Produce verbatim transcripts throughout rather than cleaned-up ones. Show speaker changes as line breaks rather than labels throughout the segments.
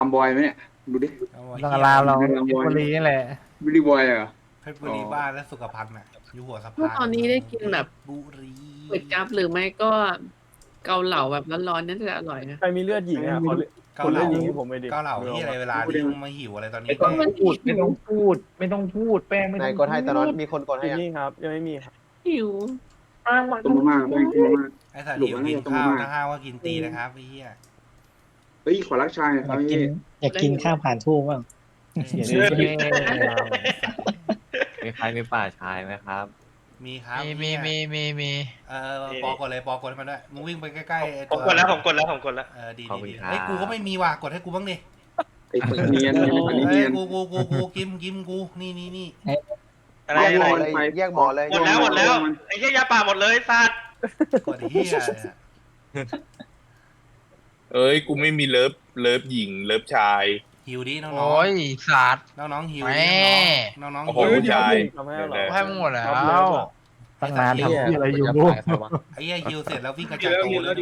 ทำบอยไหมเนี่ยดูดิ
เอาไว้
ต้องอารามเรา
เหี้
เพ
ย
ชรบุรีนี่แหละ
บิลลี่บอยเหรอ
เพชรบุรีบ้านและสุขภัณฑ์น่ะอยู่หัวสะพาน
เมื่อตอนนี้ได้กินแบบ
เพชรบุรี
ก๋วยจั๊บหรือไม่ก็เกาเหลาแบบร้อนๆนั่นจะอร่อยนะ
ใครมีเลือดหญิงอ่ะขอเลือด
เกา
คน
เห
เลื
ลา
อดหญิงให้ผมไปดิ
เกาเหลาที่อะไรเวลาที่มึงมาหิวอะไรตอนนี้
ไม่ต้องพูดไม่ต้องพูด ไม่ต้องพูดแป้งไม่
ไหน
ต้อง
กดให้ตอนนั้นมีคนกดให้
ที่
ยัง
นี่ครับยังไม่มีครับ
หิว
ต้มมาม่าแป้งต้มมาม่า
ไอ้สัตว์
หลุด
หิว
แล้ว
กิน
เนี่ย
ข้าว
ตรงนั้น
ถ้าห้าวว่ากินตีนะครับไอ้เหี้ย
เฮ้ยขอรักชายหน่อยครับพี่
อยากกินข้าวผ่านทูบบ้าง
เดี๋ยวนี้
มีใครมีป่าชายไหมครับ
มีครับ
มีมีมีมีมี
เออปอกดเลยปอกดให้มันด้วยมึงวิ่งไปใกล้ๆไอ้
ผมกดแล้วผมกดแล้วผมกดแล้ว
เออดี
ขอบ
ดี
คุณ
ดี
ครับ
เฮ้ยกูก็ไม่มีว่ะกดให้กูบ้างดิ
ไอ้คนเนียนไอ้คนนี้
เฮ้
เนี
ย
ยน
กูกูกูกูกิมกิมกูนี่นี่นี่
อะไร
แยก
อะ
หม
ไร
อเลยแยกหมอเลย
หมดแล้วหมดแล้วไอ้เหี้ยยาป่าหมดเลยสัตว์
กดไอ้เหี้ย
เอ้ย กูไม่มีเลิฟเลิฟหญิงเลิฟชาย
หิวดิน้อง
โอ้ยสัตว์
น้องน้องๆหิว
แม่
ดิน้องๆน้องๆ
โอ้โห
หิว
ผู้ชาย
ทำให้อร่
เดี๋
อย
ยว
ให้มึงหมดแล้ว
ตั้งนานทำที่อะไรอยู่
ไอ้เหี้ยหิวเสร็จแล้ววิ่งกระจายตัวเลย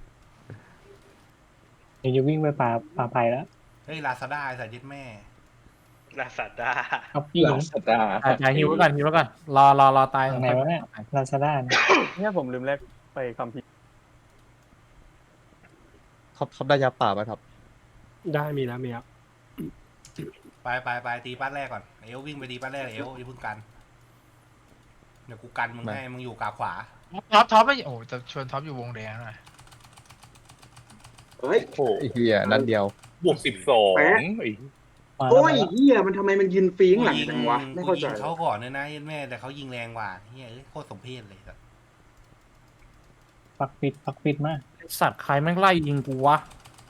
เดี๋ยวจะวิ่งไปป่าป่าไผ่แล้ว
เฮ้ยลาซาด้าไอ้สายยึดแม่
ลาซาด้า
เอาพี่
ลาสตาร์
จ่ายหิวไว้ก่อนหิวไว้ก่อนรอรอรอตาย
ตรงไหนวะเนี่ยลาซาด้าเนี่ย
เนี่ยผมลืมแลกไปคัมภีร์
ท็อปท็อปได้ยาป่าไหมครับ
ได้มีแล้วมีครับ
ไปไปไปตีปั้นแรกก่อนเอลวิ่งไปตีปั้นแรกเอลอย่าเพิ่งกันเดี๋ยวกูกันมึงให้มึงอยู่กาขวา
ท็อปท็อปไม่โอ้จะชวนท็อปอยู่วงแดงหน่อย
เฮ้ย
โอ้เฮียนั่นเดียว
บวกสิบสอง
แปะ
ไอ้
มาแล้ว
โอ้ย
มาแล้ว
เฮียมันทำไมมันยืนฟีงหลัง
ยิง
จังวะไม่
กู
เข้า
ยิ
ใจ
งเขาก่อนเลยนะยึดแม่แต่เขายิงแรงกว่าเฮ้ยเอ้ยโคตรสมเพชเลยสัส
ปักปิดปักปิดมาก
สัตว์ใครแม่งไล่ยิงกูวะ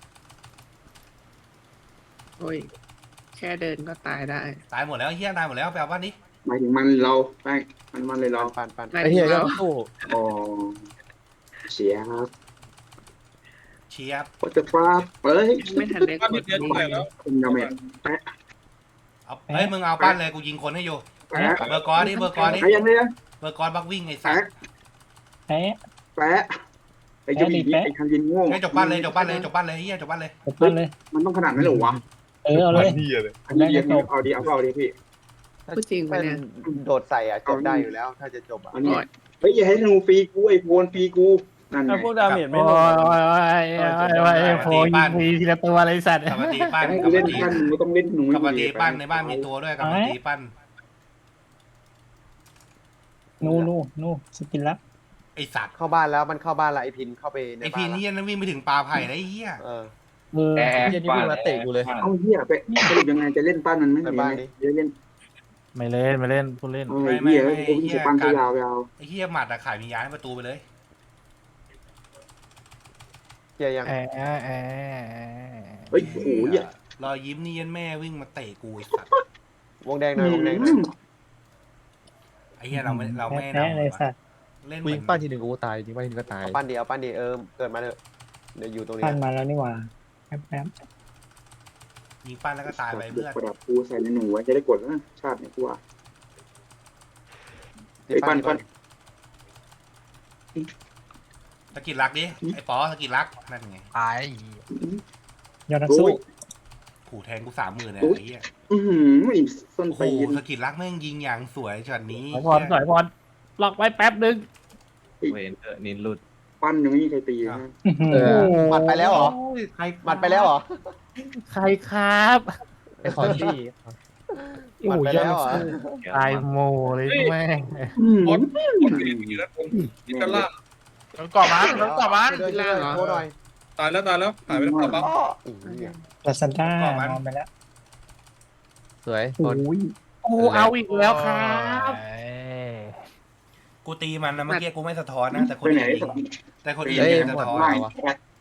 โอ้ยแค่เดินก็ตายได้
ตายหมดแล้วเฮียตายหมดแล้วแปลว่านี้
หมายถึงมันเราแป้งมันมันเลยเรา
ปันปัน
ไม่
ไอ้เฮีย
แล้
ก็
ว
สู้
อ๋อเสียครับ
เชียบ
ก็จะฟ้าเฮ้ย
ไม่ทันได้กด
คุณดาเมจแปะ
เอาเฮ้ยมึงเอาปั้นเลยกูยิงคนให้อยู่
แปะ
เบอร์กอร์ดิเบอร์กอร์ดิ
ใครยังไงนะ
เบอร์กอร์บักวิ่งไอ้สัส
แปะ
แพ้
แปะไอ้เจ้าหญิงไอ้คันยินโง่
ให้จบปั้นเลยจบปั้นเลยจบปั้นเลยเฮียจบปั้นเลย
จบกันเลย
มันต้องขนาดนั้นเหรอวะ
เออเอาเลย
เฮียเลย
อันนี้เรียกเอาดีเอาเอาดีพี่
พูดจริงปะเนี่ย
โดดใส่อ่ะจบได้อยู่แล้ว ถ้าจะจบอ่ะ
อันนี้เฮ้ยอย่าให้ธนูฟรีกูไอ้โพนฟรีกูนั่นไง
ถ้าพวกดาเมจไม่
โอ้
ลง
ยโอ้ยโอ้ยโอ้ยโอ้ยโอ้ยโผล่ยิงทีทีละตัวเลยสัตว์
กลับมาตีปั้น
ให้
ก
กู
ลับ
เล่
มาน ตี
ปั้นมึงต้องเล่นธนู
กลับมาตีปั้นในบ้านมีตัวด้วยกลับมาตีปั้น
นู่นนู่นนู่นสกินละ
ไอ้สัตว์
เข้าบ้านแล้วมันเข้าบ้านละไอพินเข้าไปใน
ไอ้
บ้า
พี
น
นี่
ละ
ยังวิ่งไปถึงปลาไผ่ได้เฮีย
เออ
เออ
เฮียนี่วิ่งมาเตะกูเลย
เอาเหี้ยไปสรุปยังไงจะเล่นปั้นมันไหม
ไปบ้านดิ
เดี๋ยวเล่น
ไม่เล่นไม่เล่นพูดเล่น
เออเหี้ยกูจะปั้นยาวๆยาว
ไอ้เฮียหมัดอะขายมียาให้ประตูไปเลย
เกียร์ยัง
แอะแอะแอะ
เฮ้ยโอ้โหเหี้ย
รอยยิ้มนี่ยันแม่วิ่งมาเตะกูไอ้สัตว์
วงแดงหน่อยวงแดงหน่อย
ไอ้เฮียเราไม่เราไม่
แพ้เลยสัตว์
เล่นเห
กู
มือ
ยิง
น
ป้าทีหนึ่งกูตายยิงป้าทีหนึงก็ตาย
เอาปั้นดีเอาปั้นดีเออเกิดมาเถอะเดี๋ยวอยู่ตรงนี้
พันมาแล้วนี่หว่าแป๊บแป๊บ
ยิงปั้นแล้วก็ตายไปเพื่อน
ประดับกูใส่ในหนูไว้จะได้กดแล้วนะชาติเนี่ยกูว่า
ตี
ไอ้ปั้นปั้น
สกิลรักดิไอ้ปอสกิลรักนั่นไง
ตาย
ยอดนัก
โอ้
สู้
ย
ขู่แทงกูสามหมื่นเลย
โอ้ย
ไอ้เหี้ย
อือหือไอ้ส้น
โอ้โห
ตีน
สกิลรักแม่งยิงอย่างสวยช็อตนี้
สอยพรสอยพรล็อกไว้แป๊บนึง
เวนเตอร์นินหลุด
ปั้นยังไม่มีใครตีนะ
เออ
หมัดไปแล้วเหรอ
ใคร
หมัดไปแล้วเหรอ
ใครครับ
ไอ้คอนดี้
หมัดไปแล้วเหรอ
ตายโมเลยแม่ง
อืม
นี่กันล่า
โดนก่อมันโดนก่อมัน
ช่วยด้วยช่วยด้วยโทษหน่อย
ตายแล้วตายแล้วหายไปแล้วปั๊บ
อีเหี้ย
ลาซาด้านอนไปแล้ว
สวย
โอ้ย
โอ้เอาอีกแล้วครับ
เอ้ย
กูตีมันนะเมื่อกี้กูไม่สะท้อนนะแต่คน
ไปไหน
อื่นยิงแต่คนอื่น
เฮ้ย
ยิงสะ
หมด
ท้อน
เปล่า
ไม่
วะ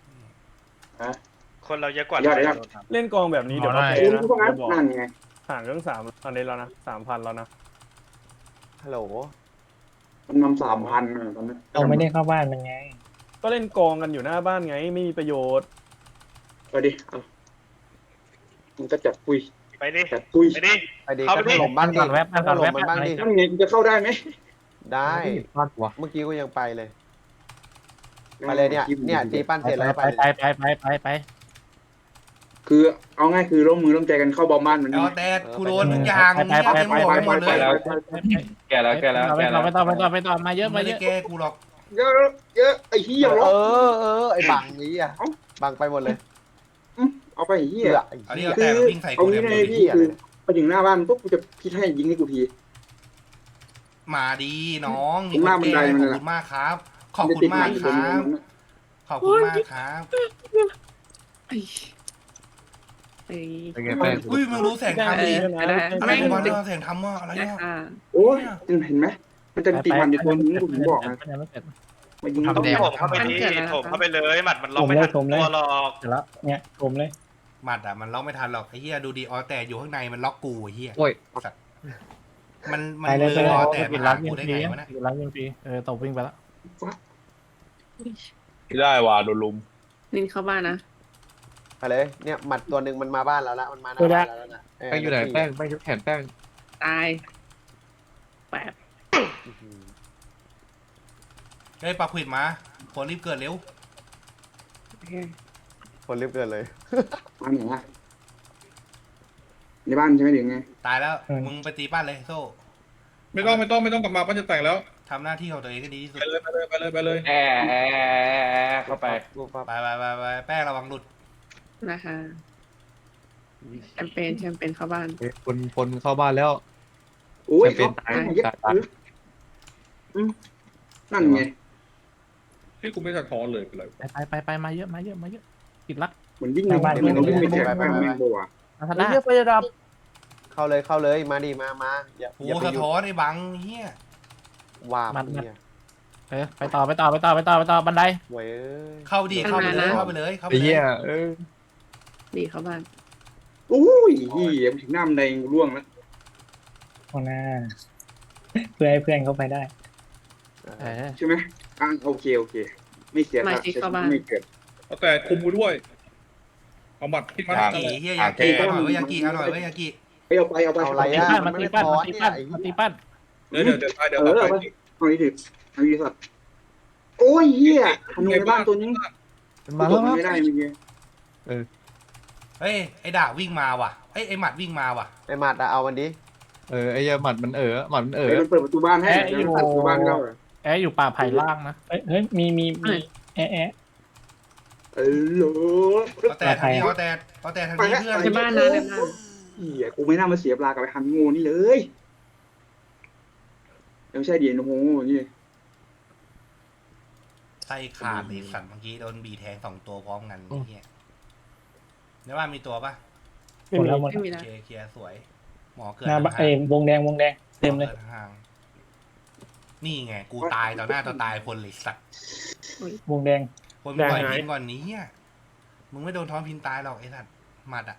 คนเราเยอะกว่า
ยอดเลยครับ
เล่นกองแบบนี้เดี๋ยวก็
เอ
แพ้
อ
นะ
พวกนั้น
บอก
นั่นไง
ห่างเรื่องสามตอนนี้แล้วนะสามพันแล้วนะ
ฮัลโหล
มันนำสามพันตอนนั้น
เราไม่ได้เข้าบ้านมันไง
ก็เล่นกองกันอยู่หน้าบ้านไงไม่มีประโยชน์
ไปดิเอามันก็จัดปุย
ไปดิ
จัดปุย
ไปดิ
ไปดี
เข้าไป
ก็
ดิ
ถล่มบ้านดิ
ก่อนแวบ
ก็
ก่อน
ถล่
แว
ม
บ
มันบ้างดิ
นั่นไงจะเข้าได้ไหม
ได้
พลาดวะ
เมื่อกี้ก็ยังไปเลยไปเลยเนี่ยเนี่ยตีปั้นเสร็จแล้ว
ไป
ไป
ไปไปไปไปไป
กคือเอาง่ายคือร่วมมือร่วมใจกันเข้าบอมบ้านมัน
เอา
นี่
แต่กูโดนทุกอย่างมึงเนี่ยเต็มหัวไปหมดเลย
แกแล้วแกแล้ว
ไป
แก
ต่
แล้
อ
ว
ไปต่อไปต่อไปต่อมาเยอะ
ไม่
มาเย
ได้
อะ
แก้กูหรอก
เยอะเยอะไอ้เหี้ย
เอ
หรอ
อเออไอ้บังนี้อ่ะบังไปหมดเลย
เอาไปไอ้เหี้
เหี้
ย
ยไอ้
อันนี้
เหี้ย
เอาแต่มันวิ่งใส่
เอา
กู
งี้
เนี่ย
เลยพี่คือไปถึงหน้าบ้านปุ๊บกูจะคิดให้ยิงให้กูที
มาดีน้อง
ตรงหน้าบันได
ข
มัน
อบ
เลย
คุณมากครับ ขอบคุณมากครับ ขอบคุณมากครับ
ไอ้ไอ้
เป็นไงแป้ง
อุ้ยมึงรู้แสง
เอ
ทำดิ
อได้
อะไรวะเนี่ยแสงทำว่าอะไร
ได้
เนี่ย
ค่ะ
โอ้ยเห็นไหมมันจะตีมันอยู่ตัวนึงกูถึงบอกนะ
ยังไม่เสร็จ
มายิง
ทำ
ต้อง
แดง
ผมเข้าไปดีผมเข้าไปเลยหมัดมันล็อกไม่ทันตัวหรอก
เสร็จแล้วเนี่ยผมเลย
หมัดอ่ะมันล็อกไม่ทันหรอกไอ้เหี้ยดูดีออแต่อยู่ข้างในมันล็อกกูไอ้เหี้ย
โอ้ย
สัตว์มันมัน
ไปเลย
เล
ไป
ย
เลย
ออแต่
ปิ
มา
ด
หา
รักยิ
กู
ง
ได้
ฟรี
ไงวะเนี่ย
ปิดรักยิงฟรีเออตบวิ่งไปแล้ว
ไม่ได้ว่ะโดนลุม
นินเข้าบ้านนะ
ไปเลยเนี่ยหมัดตัวหนึ่งมันมาบ้านเราละมันมาหน้าบ้านเราแล้วนะ
แป้งอยู่ไหนแป้งแป้งยกแขนแป้ง
ตายแปบ
เฮ้ยปลาขวิดมาคนรีบเกิดเร็ว
โอเค
คนรีบเกินเลย
มาไหนอะในบ้านใช่ไหมหรือไง
ตายแล้วมึงไปตีป้านเลยโซ่
ไม่ต้องไม่ต้องไม่ต้องกลับมาป้าจะแต่งแล้ว
ทำหน้าที่ของตัวเองให้ดีที่สุด
ไปเลยไปเลยไปเลยไปเลย
แอร์เข้าไป
กูปั๊บ
ไปไปไปไปแป้งระวังหลุด
นะคะแชมเปญแชมเปญเข้าบ้าน
คนคนเข้าบ้านแล้ว
โอ้ย
เป็นตาย
เย็ดนั่นไง
ที่กูไม่สะท้อนเลยเป็นไร
ไปไปไปมาเยอะมาเยอะมาเยอะปิดรัก
เหมือนวิ่งเหมือนวิ่งไปแจกแม่งแม่งบัว
มาทันได้
เหี้ยไปดับ
เข้าเลยเข้าเลยมาดิมามาอย่า
โอ้
อย่าไป
สะ
หยุด
ท้อนไอ้บังเฮีย
ว่ามันเนี่ย
เออไปต่อไปต่อไปต่อไปต่อไปต่อบันได
เว้ย
เข้าดีเข้าไปเลยเข้าไปเลยเข้าไป
ไอ้
เล
เหี้
ย
ยเออ
ดีเข้าบ้าน
โอ้ยเหี้ยถึงหน้ามันแดงร่วงแล้ว
ข้างหน้า เพื่อให้เพื่อนเข้าไปได้
เออ
ใช่ไหมอ่าโอเคโอเค ไม่เสียไม่เกิด
เอาแต่คุมกูด้วยเอาหมัดที่มัน
ยากิเฮียยากิเอาหน่อยเว้ยยากิเอาหน่อยเว้ยยากิ
ไปเอาไปเอาไป
เอาอะไร
ตี
อ่ะ
ปั้นมาตีปั้นมาตีปั้นมาตีปั้น
เดี๋ยวเดี๋ยวเดี๋ยวตายเดี๋ยว
เออ
ต่อ
เอา
ไป
ไปเอาดีถึงเอาดีสัตว์โอ้ยเหี้ยทำในบ้านตัวนี้
มันมาแล้ว
ไม่ได้เมื่อกี้
เฮ้ยไอ้ด่าวิ่งมาว่ะไอ้ไอ้หมัดวิ่งมาว่ะ
ไอ้หมัดอะเอามันดิ
เออไอ้เหี้ยหมัดมันเออหมัดมันเออ
เดี๋ยวมันเปิดประตูบ้านให้เดี๋ยวมันเปิดประตูบ้านเข้า
แอร์อยู่ป่าไผ่ล่างนะ
เฮ้ยเฮ้ยมีมีมีแอะแอะ
เออโหล
เอาแต่ทางนี้เอาแต่เอาแต่ทางนี้เพื่อน
ในบ้านนะในบ้าน
เหี้ยกูไม่น่ามาเสียเวลากับไอ้ฮันโง่นี่เลยไม่ใช่เดียนโฮนี่
ไส้ขาดเลยสัตว์เมื่อกี้โดนบีแทงสองตัวพร้อมกันไอ้เฮียในบ้านมีตัวปะ
หมดแล้วหมด
ไม่มีนะ
เคลียร์เคลียร์สวย หมอเกิด
หน้าบ้านเอ้ยวงแดงวงแดงเต็มเลย
หอกิดห่างนี่ไงกูตายต่อหน้าต่อตายคนเลยสัตว์
วงแดง
คนปล่อยพินก่อนนี้อ่ะมึงไม่โดนท้องพินตายหรอกไอ้สัตว์หมัดอ่ะ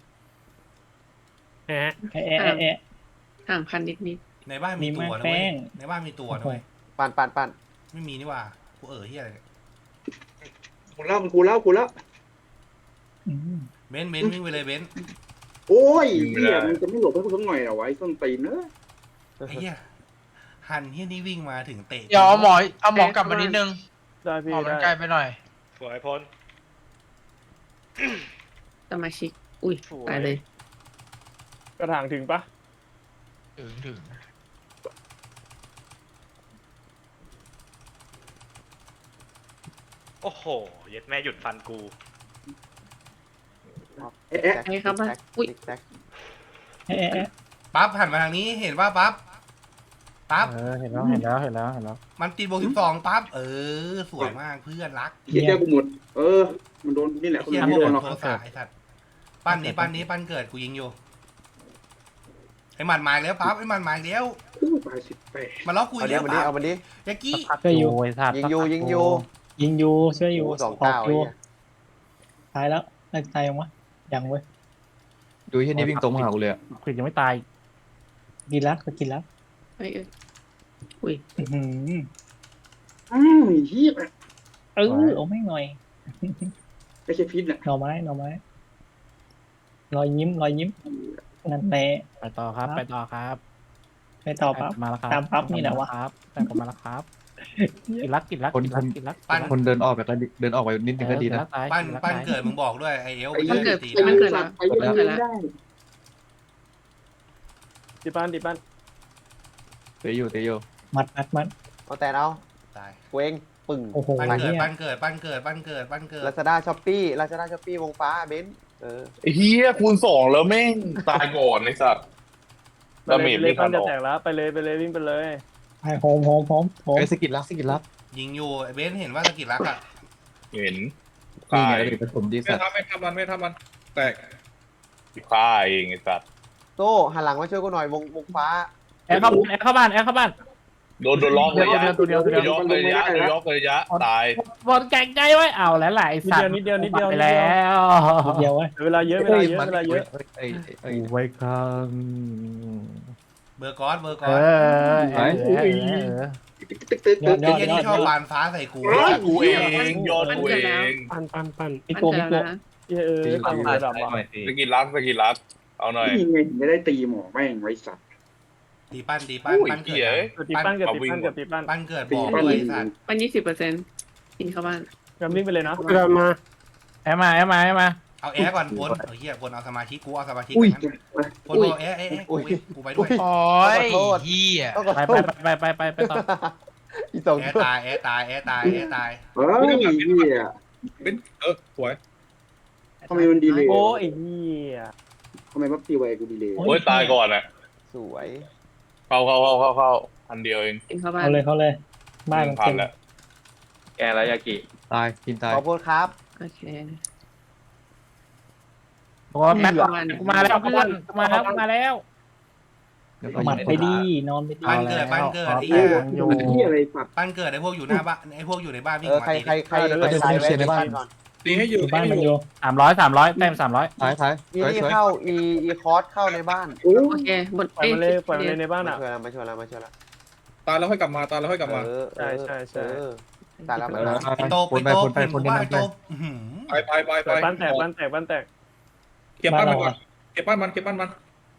แอะ
แอะแอะแอะแอะ
ห่างพันนิดนิด
ในบ้านมีตัวนะ
มี
เว้
แป้
ย
ง
ในบ้านมีตัวนะเว้ย
ปั่นปั่นปั่น
ไม่มีนี่หว่ากูเออเฮียอะไรเนี่ย
กูเล่ากูเล่ากูเล่า
อืม
เบนซ์เบนซ์วิ่งไปเลยเบนซ์
โอ้ยเหี้ยมันจะไม่หลบให้กูสักหน่อยเหรอวะไอ้ส้นตีนเนอะ
ไอ้เฮียหันเฮียนี่วิ่งมาถึงเตะ
เดี๋ยวเอาหมอเอาหมอกลับมานิดนึง
ได้พี่
หมอมัน
ได้
ไกลไปหน่อย
สวยพ้น
สมาชิก อุ้ยตายเลย
กระถางถึงปะ
ถึงถึง
โอ้โหเย็ดแม่หยุดฟันกู
เอ๊ะเอ๊ะ
ไปครับบ้านอุ้ย
ติ๊กแท็ก
แอะแอะแอะ
ปั๊บหันมาทางนี้เห็นว่าปั๊บปั๊บ
เออเห็นแล้วเห็นแล้วเห็นแล้วเห็นแล้ว
มันตีโบสิบสองปั๊บเออสวยมากเพื่อนรัก
เหี้ยแก้กูหมด เออ มันโดนนี่แหละ
ไอ้
คน
เฮีย
อื่น
พว
ไม่
ก
โดนหรอก
โทรศัพท์ไอ้สัตว์ปั้นนี้ปั้นนี้ปั้นเกิดกูยิงอยู่ไอ้หมัดหมายแล้วปั๊บไอ้หมัดหมายแล้ว
อู้ตายสิบแปด
มาล็อกกู
เอา
อีก
ดิ
แล้ว
เอามันดิ
ปั๊บ
เอามันดิ
ยากี้
พักอยู่ไอ้สัตว์
ยิงอยู่ยิงอยู่
ยิงยูช่วยยู
โอ้สอง
ออก
เก้า
ยู
ไอ้เหี้ย
ตายแล้วตายตายยังวะยังเว้ย
ดูไอ้เหี้ยนี่วิ่งตรงมาหากูเลยอะ
ขวิดยังไม่ตาย
กินแล้วก็กินแล้ว
เอ้ยเอ้ยอุ้ย
อื้อหือ
อ้าวเหี้ย
เออเอาไม่งหน่อย
ไม่ใช่พิษน่ะ
หน่อไม้หน่อไม้รอยยิ้มรอยยิ้มนั่นแหละ
ไปต่อครับ ไปต่อครับ
ไปต่อปั๊บ
มาแล้วครับ
ตามปั๊บนี่แหละวะ
ครับแต่ผมมาแล้วครับ
ไอ้
กินรักกินรักกินรักกินรัก
ปั้น
คนเดินออกไปก็ดีเดินออกไปนิดนึงก็ดีนะ
ปั้นปั้นเกิดมึงบอกด้วยไอเอล
ไอ้
มึง
เหี้ย
จะตี
ไอ้เหี้ยสัตว์ไอ้เหี้ยไม่ได้
ตีปั้นตีปั้น
เตยอยู่เตยอยู่
มัดมัดมัด
เอาแต่เอา
ตาย
เวงปึ่ง
โอ้โห
ปั้นเกิด
เนี่ย
ปั้นเกิดปั้นเกิดปั้นเกิดปั้นเกิด
ลาซาด้าช้อปปี้ลาซาด้าช้อปปี้วงฟ้าเบนซ์เออ
ไอ้เฮียคูณสองแล้วแม่งตายก่อนไอ้สัตว์
ไป
ดา
เล
เม
ย
จ
เล
ไม่
ย
ทั
ปั้
น
น
อ
จะ
อก
แตกแล้วไปเลยไปเลยวิ่งไปเลย
ไอ้โฮมโฮมโฮมโฮม
ไอ้สกิลลักสกิลลัก
ยิงอยู่ไอ้เบนซ์เห็นว่าสกิลรักอ่ะ
เห็น
นี่
ตา
ไง
ย
เดี๋ยวผสมดี
ไม่
สัตว์
ทำไม่ทำมันไม่ทำมันแตกฆ่าเองไอ้สัตว์
โซ่หันหลังมาช่วยกูหน่อยวงวงฟ้า
แอร์เข้าแอร์เข้าบ้านแอร์เข้าบ้าน
โดนโดนล็อกเลยยะ
ตัวเดียวตัวเดียว
โดนล็อกเลยยะโดนล็อกเลยยะตาย
บอลแกงใจไว้เอาแล้วหลายสัตว์
นิดเดียวนิดเดียวนิด
ไป
เดียว
แล้ว
นิดเดียวเว้ย
เวลาเยอะเวลาเยอะเวลาเยอะ
ไอ้ไอ้
ไว้ครั
เบอร์กอสเบอร์ก
เอ
อส
อเออเออ
ตึ๊กตึ๊กตึ๊ก
ยอ
ตึ๊
ด
ก
ยอด
ไอ้นี่ชอบบานฟ้าใส่กู
กูเองยอดกูเอง
ปั้นปั้นปั้น
พี่
ปั้น
โก
เกิ
พี่
ด
โก
แล้วนะ
เออเออปั้นระดับว่ะ
สกิลลักสกิลลักเอาหน่อย
นี่ไงถึงไม่ได้ตีหมอแม่งไว้สัตว์
ตีปั้นตีปั้น
อุ้ย
ปั้นเกิ
เหี้ย
ด
เกิดตีปั้นเกิดตีปั้นเกิดตีปั้น
ปั้นเกิด
ตี
บอก
ปั้น
ด้วย
ยิง
สัตว์
ปั้นยี่สิบเปอร์เซ็นต์กินเข้าบ้าน
กำลิ่งไปเลยนะ
เดินมาแอร์มาแอร์มาแอร์มา
เอาแอร์ก่อนพลเออเฮียพลเอาสมาธิกูเอาสมาธิ
อุ้ย
พลบอกแอร์แอร์แอร์กูกูไปด้วย
โอ้ยเฮีย
ต้องขอ
ไป
โท
ไป
ษ
ไปไปไปไปต่อ
อีสอง
แอร์
ตัว
ตายแอร์ตายแอร์ตายแอร์ตาย
เฮ้ยเหี้ย
เป็นเออสวย
ทำไมมันดีเลย
โอ้ไอ้เหี้ย
ทำไมปั๊บตีไวกูดีเลย
โอ้ยตายก่อนอ่ะ
สวย
เข้าเข้าเข้าเข้าเข้าพันเดียวเอง
กินเข้าบ้าน
เขาเลยเขาเลยบ้านมัน
พั
เต็
น
ม
แล้ว
แกแล้วยากิ
ตายกินตาย
ขอโทษครับ
โอเค
ตัวแม็กกูมาแล้วกูมามาแล้วกูมาแล้ว
หมัดไปดีนอนไปดี
ปั้นเกิดปั้นเกิดไอ้
เหี้
เหี้
ย
ย
เหี้ยอะไรสัตว์
ปั้นเกิดไอ้พวกอยู่หน้าบ้านไอ้พวกอยู่ในบ้านวิ่
เอง อ
มา
ใคร
ตี
ใครใครใครตายไว้ในบ้านก่อน
ตีให้อยู่
บ้านมันอยู่
สามร้อยสามร้อยแต้มสามร้อย
ท้ายท้าย
อี
สวย
นี่
สวย
เข้าอีอีคอร์สเข้าในบ้าน
โอ้
โอเคหมด
ปล่อยมันเลยปล่อยมันเลยในบ้าน
มา
อ่ะ
ช่วยแล้วมาช่วยแล้วมาช่วยแล้ว
ตายแล้วค่อยกลับมาตายแล้วค่อยกลับมา
เออ
ใช่ใช่ใช่
เออตายแล้ว
เอ
มา
อ
แล้ว
ไอ้โต
คน
ไอ้
ไป
โต
คนไป
ผ
คน
ม
นี้
ว่า
ไป
ไอ้โตอื้อหือ
ไปไปไปไป
ปั้นแตกปั้นแตกปั้นแตก
เก็บปั้นมันก่อนเก็บปั้นมันเก็บปั้นมัน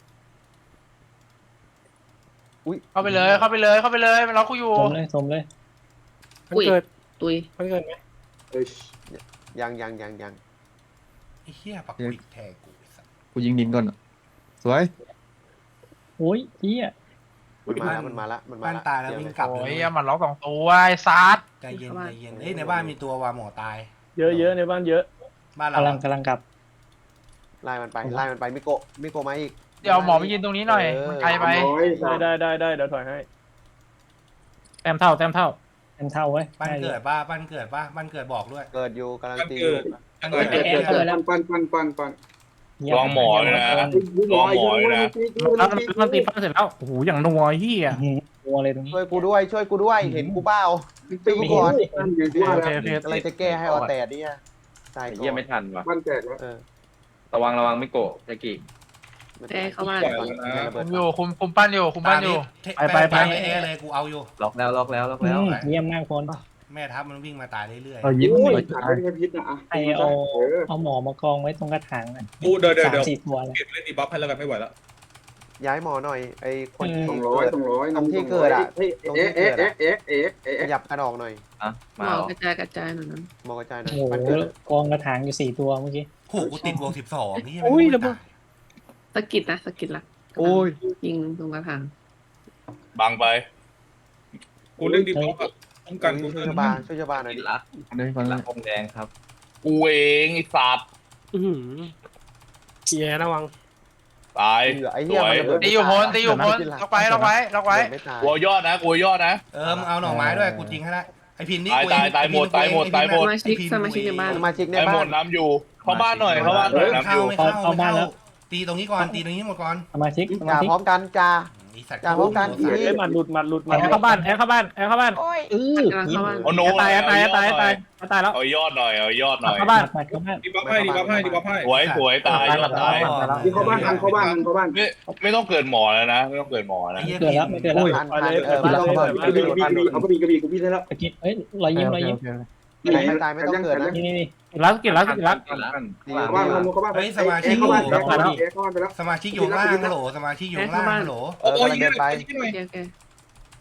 เข้าไปเลยเข้าไปเลยเข้าไปเลยมันล็อกกูอยู่
สมเลยสมเลย
มันเกิด
ตุย
มันเกิดไหม
เอ้ย
ยังยังยังยัง
ไอ้เหี้ยปักปิดแทงกูไอ้สัส
กูยิงดินก่อนสวย
โอ้ยเหี้ย
มันมาแล้วมันมาแล้วมันมา
ปั้น
แล้ว
ตายแล้ววิ่งกลับ
โอ้
เลย
ยมันล็อกสองตัวไอ้ซัด
ใจเย็นใจเย็นเอ้ยในบ้านมีตัววาหมอตาย
เยอะเยอะในบ้านเยอะ
บ้านเรา
กำลังกำลังกลับ
ไล่มันไปไล่มันไปมิโกะมิโกะมาอีก
เดี๋ยวหมอมายืนตรงนี้หน่อยมันไกลไป
ร้อย
ได้ได้ได้ได้เดี๋ยวถอยให้
แต้มเท่าแต้มเท่า
เต็มเท่าเว้ย
ปั้น
ได้อยู่
เกิดป้าปั้นเกิดป้าปั้นเกิดบอกด้วย
เกิดอยู่กำลังตี
เกิดยังไง
เกิดเกิดปั้นปั้นปั้นปั้นปั้น
เยี่ย
ลองหมอเลยนะ
ลอยลอยลอย
แล้วมันตีปั้นเสร็จแล้วโอ้โหอย่างนัวเฮีย
อื้อหือตัวเลยตรงนี้
ช่วยกูด้วยช่วยกูด้วยเห็นกูเปล่า
ตีก่อนปั้นอยู่ที่ว่า
โอ
แล้
เคว โอเค
อะไรจะแก้ให้ออแตดเนี่ยตายก่อน
เยี่ยไม่ทันว่ะ
ปั้นแตกแล้ว
เออ
ระวังระวังไม่โกะยากิ
แต้เข้าบ้าน
คุมอยู่คุมคุมปั้นอยู่คุมปั้นอยู่
ไปไปไปเอเลยกูเอาอยู่
ล็อกแล้วล็อกแล้วล็อก
อื
แล้ว
มเยี่ยมมากคน
แม่ทัพมันวิ่งมาตายเรื่อย
เรายิ้ม
โอ้ย
เลย
ขาดไม่ใช่พิษนะอ่ะ
ไอเอาเอาหมอมากองไว้ตรงกระถางน่ะ
กูเดี๋ยวเดี๋ยว
สาม
เดี๋ยว
สี่ตัวเลย
เก็บเล่นดีบัฟให้แล้วกันไม่ไหวแล้ว
ย้ายหมอหน่อยไอ้คนที่
สองร้อยสองร้อย
ตรงที่เกิดอ่ะ
เอ๊ะเอ๊ะเอ๊ะเอ๊ะเอ๊ะเอ๊ะเอ๊ะ
ขยับกระดองหน่อย
อ่ะ
หม
มา
อ
เหรอก
ระจายกระจายหน่อยนะ
มองกระจายหน่อย
โอ้โห
มันเกิด
กองกระถางอยู่สี่ตัวเมื่อกี้
ๆโหกูติดวงสิบสองนี่
อุ้ยระเบิด
สะกิดนะสะกิดละ
โอ้ย
ยิงตรงกระถาง
บังไป กูเล่นดีบัฟอะป้องกันกู
ช่วย
เถ
ชาว
อะ
บ้านช่วยชาวบ้านหน่อย
กิ
ดิ
นละ
อันนี้ฟัง
หลั
นะ
งองแดงครับ
กูเองไอ้สัตว์
เฮียระวัง
ตาย
เหลือไอ้
ส
เหี้ย
วย
มันระเบิด
ตีอยู่พ้นตีอยู่พ้นล็อกไว้ล็อกไว้ล็อกไว้
ไม่ตาย
กลัวยอดนะกลัวยอดนะ
เออมึงเอาหน่อไม้ด้วยกูจริงให้ละไอพินนี่
ตายตายตายหมดตายหมดตายหม
ส
ด
มาชิกสมาชิกในบ้าน
สมาชิกใน
ไอ้หม
บ้าน
ดน้ำอยู่ เข้าบ้านหน่อยเข้าบ้านหน่อยน้ำอ
เข้า
ยู่
ไม่เข้าไม่เข้าตีตรงนี้ก่อนตีตรงนี้หมดก่อน
สมาชิกสมา
จ่า
ชิก
พร้อมกันจ่า
ไอสัตว์
อย่าพร้อมกัน
ไอ้สัตว์
เอ้ยหมัดหลุดหมัดหลุดหมั
แอ
ด
ร์เข้าบ้านแอร์เข้าบ้านแอร์เข้าบ้าน
เออก
ำลังเข้าบ้าน
เอาโน้
ตายตายตายตายตายแล้ว
เอายอดหน่อยเอายอดหน่อย
เข้าบ้าน
หมัดเข้าบ้าน
ดีบัฟให้ดีบัฟให้ดีบัฟให้สวยสวยตายยอดตาย
ที่เข้าบ้านทางเข้าบ้านทางเข้าบ้าน
ไม่ไม่ต้องเกิดหมอแล้วนะ ไม่ต้องเกิดหมอ
ไอ้
นะ
เหี้ย
เกิดแล้วไม่เกิดแล้ว
ทันทันเออไม่ต้องเปิด
กระบี่กระบี่เอากระบี่กระบี่กูพี่ได้แล้ว
ตะกี้เอ้ยรอยยิ้มรอยยิ้ม
ไหนไม่ตายไม่ต้องเกิดนะ
นี่นี่นี่
กินแล้วกินแล้วกินแล้ว
เข้าบ้านเข้าบ้านเข้าบ้านเอ๊ะเข้าบ้านเอ๊ะเข้าบ้านเอ๊ะเข้าบ้านไปแล้ว
สมาชิกอยู่ข้างล่างฮัลโหลสมาชิกอยู่ข้างล่างฮัลโหล
โอ้ย
เดินไป
โอเคโอเค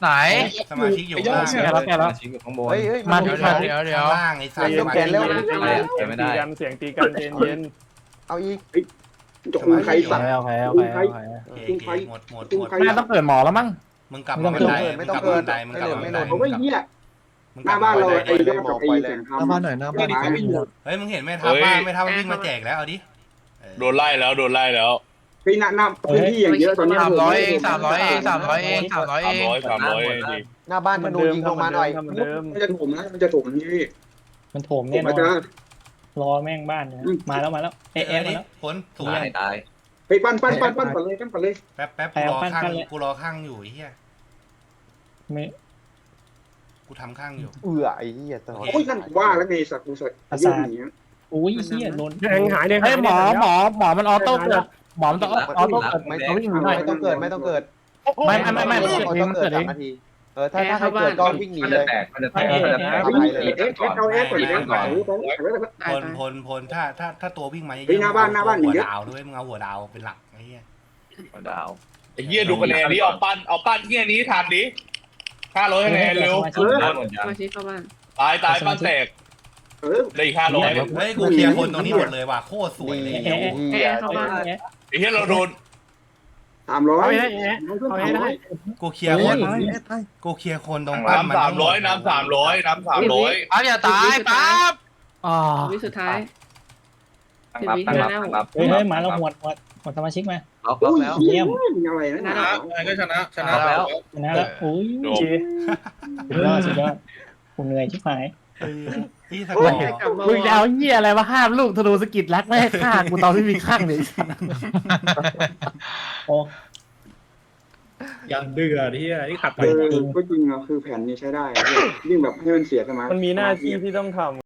ไหน
สมาชิกอยู่ข้างล่าง
แกแล้วแกแล้ว
ชิ้นอยู่ข้างบน
เฮ้ยเฮ้ย
มา
เดี๋ยว
มา
เดี๋ยวเดี๋ยว
ข้างล่างไอ้สัตว์
เดี๋ยวแกนเร็ว
เสียงตีกันเสียงตีกันเย็นเย็น
เอาอีก
จะคุมใครสัตว์
โอเคโอเคโอเคโอเค
โอเคโอเคหมดหมดหมด
แม่ต้องเกิดหมอแล้วมั้ง
มึงกลับมาบันไดมึงกลับมาบันไดมึงกลับมาบันได
เอาไว้เหี้ย
มึง
ห
กลั
น้า
บมา
บ้าน
บัน
เรา
ได
ไอ้เจ้ากับไอ้เสียง
หน้าบ้านหน่อยหน้าบ้าน
เฮ้ยมึงเห็นแม่ทัพบ้านแม่ทัพวิ่งมาแจกแล้วเอาดิ
โดนไล่แล้วโดนไล่แล้ว
เฮ้ยหน้าหน้าพื้นที่อย่างเยอะตอนนี้
สามร้อยเองสามร้อยเองสามร้อยเองสามร้อยเอ
สาม
ง
ร้อยสามร้อยดี
หน้าบ้านธนูยิงลงมาหน่อย
ทำเหมือนเดิม
มันจะถมนะมันจะถมนี่
มันโถม
ถ
แน่
ม
น
มา
อน
จ้าร
อแม่งบ้านเนี่ยมาแล้วมาแล้ว
เอ๊
เอ๊ะ
ะ
เอ๊ะ
ดิ
มาแล้ว
ผลสวย
ตายตาย
เฮ้ยปั้นปั้นปั้นปั้นปั้นเลยปั้นปั้นเลย
แป๊บแป๊บกูรอข้างกูรอข้างอยู่ไอ้เหี้ย
ไม่
กูทำข้างอยู่
เอือไอ้เหี้ยตลอด
โอ้ยนั่นว่าแล้วไงสัตว์กูใส่ยืดหนี
อุ้ยเหี้ยโดน
แดงหายแดง
เฮ้
หาย ย
หมอหมอหมอมันออโต้เกิดหมอมันต้องออโต้เกิด
ไม่
เขาวิ่งหนีหน่อย
ไม่ต้องเกิดไม่ต้องเกิด
ไม่ไม่ไม่ไม่มัน
ต้
เกิดเอง
อง
มัน
เกิ
เกิ
ด
ดเอ
สาม
ง
นาทีเออถ้าถ้าใครเกิดก็วิ่งหนี
มัน
เล
จะ
ย
แตกมันจะแตกมันจะแตก
เอ๊ะเอาแอร์ก่อนแอร์ก่อน
พลพลพลถ้าถ้าถ้าตัววิ่งมาเยอะ
เฮ้ยหน้าบ้านหน้าบ้าน
หัว
เยอะ
ดาวด้วยมึงเอาหัวดาวเป็นหลักไอ้เหี้ย
ดาว
ไอ้เหี้ยดูคะแนนนี้เอาปั้นเอาปั้นเหี้ยนี้ทันดิห้าร้อยคะแนนเร็ว
ได้หมดยัง
มาชิเข้าบ้าน
ตายตายปั้นแตก
เออ
ได้อีกห้าร้อย
เฮ้ยกูเคลียร์คนตรงนี้หมดเลยว่ะโคตรสวยเลย
เอ๊ะ
แอร์เข้าบ้าน
ไอ้เหี้ยเราโดน
สามร้อย
เอาให้ได้เอาให้ได้
กูเคลียร์คนกูเคลียร์คนตรงปั้นมัน
น้ำสามร้อยน้ำสามร้อยน้ำสามร้อย
ปั๊บอย่าตายปั๊บ
อ๋อ
วิสุดท้าย
ตั้งรับตั้งรับตั้งรับ
เฮ้ยเฮ้ยมาแล้วหมดหมดหมดสมาชิกมา
ล็อกล็อก
อุ้ย
แล้ว
เยี่ยมอะไรนะ
ชนะไงก็ชนะชนะ
แล้ว
ชนะแล้วอุ้ย
โด
จี
สุดยอดสุดยอดกูเหนื่อยชิบหาย
พี่สกอร์
มึงจะเอาเหี้ยอะไรมาห้ามลูกธนูสกิดรักไม่ให้ฆ่ากูตอนที่มีข้างเลย
โอ้
ยังเดือดที่ที่ขัดไป
เออก็จริงอ่ะคือแผนนี้ใช้ได้ยิ่งแบบให้มันเสียสมาธิ
มันมีหน้าที่ที่ต้องทำ